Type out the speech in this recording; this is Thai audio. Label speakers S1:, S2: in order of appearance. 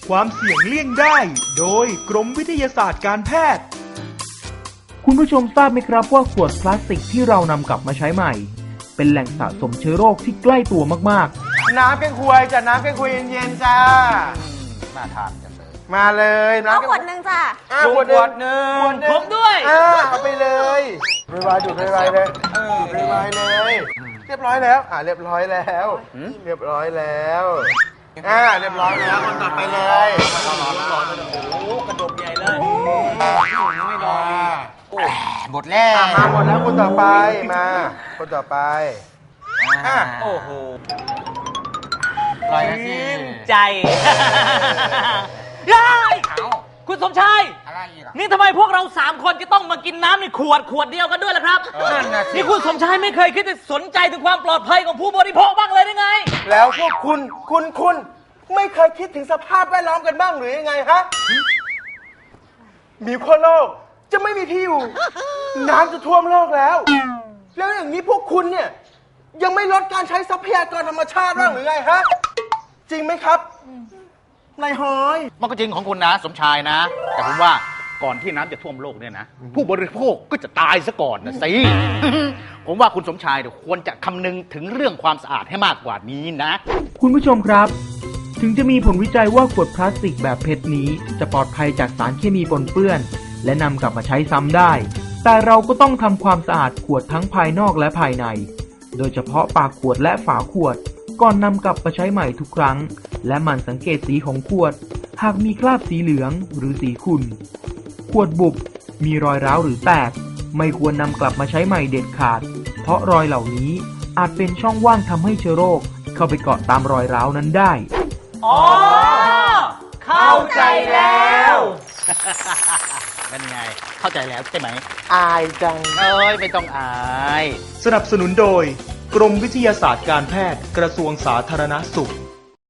S1: ความเสี่ยงเลี่ยงได้ โดยกรมวิทยาศาสตร์การแพทย์
S2: คุณผู้ชมทราบไหมครับว่าขวดพลาสติกที่เรานำกลับมาใช้ใหม่ เป็นแหล่งสะสมเชื้อโรคที่ใกล้ตัวมาก
S3: น้ำแกงควยจ้ะน้ำแกงควยเย็นๆจ้าน่าทานจังเลยมาเลยน้ำ
S4: เอาขวดหนึ่งจ้ะ
S3: ขวดหนึ่ง
S5: ผมด้วย
S3: เอาไปเลยไวๆดูไวๆเลยไวๆเลยเรียบร้อยแล้วเรียบร้อยแล้วเรียบร้อยแล้วเรียบร้อยแล้วคนต่อไปเลยกระดกใหญ่เลยไม่รอหมดแล้วมาหมดแล้วคนต่อไปมาคนต่อไป
S5: โอ้โห
S3: ลอยแล้วสิ
S5: ใจยายคุณสมชายนี่ทำไมพวกเรา3 คนจะต้องมากินน้ำในขวดเดียวกันด้วยล่ะครับนี่คุณสมชายไม่เคยคิดจะสนใจถึงความปลอดภัยของผู้บริโภคบ้างเลยได้ไง
S3: แล้วพวกคุณไม่เคยคิดถึงสภาพแวดล้อมกันบ้างหรือยังไงฮะมีขั้วโลกจะไม่มีที่อยู่น้ำจะท่วมโลกแล้วแล้วอย่างนี้พวกคุณเนี่ยยังไม่ลดการใช้ทรัพยากรธรรมชาติบ้างหรือไงฮะจริงไหมครับนายหอย
S6: มันก็จริงของคุณนะสมชายนะ แต่ผมว่าก่อนที่น้ำจะท่วมโลกเนี่ยนะผู้บริโภคก็จะตายซะก่อนนะสิ ผมว่าคุณสมชายควรจะคำนึงถึงเรื่องความสะอาดให้มากกว่านี้นะ
S2: คุณผู้ชมครับ ถึงจะมีผลวิจัยว่าขวดพลาสติกแบบเพชรนี้จะปลอดภัยจากสารเคมีปนเปื้อนและนำกลับมาใช้ซ้ำได้ แต่เราก็ต้องทำความสะอาดขวดทั้งภายนอกและภายในโดยเฉพาะปากขวดและฝาขวดก่อนนำกลับมาใช้ใหม่ทุกครั้งและหมั่นสังเกตสีของขวดหากมีคราบสีเหลืองหรือสีขุ่นขวดบุบมีรอยร้าวหรือแตกไม่ควรนำกลับมาใช้ใหม่เด็ดขาดเพราะรอยเหล่านี้อาจเป็นช่องว่างทำให้เชื้อโรคเข้าไปเกาะตามรอยร้าวนั้นได้
S5: อ๋อเข้าใจแล้ว
S6: เป็นไงเข้าใจแล้วใช่ไหม
S3: อายจัง
S6: ไม่ต้องอาย
S1: สนับสนุนโดยกรมวิทยาศาสตร์การแพทย์กระทรวงสาธารณสุข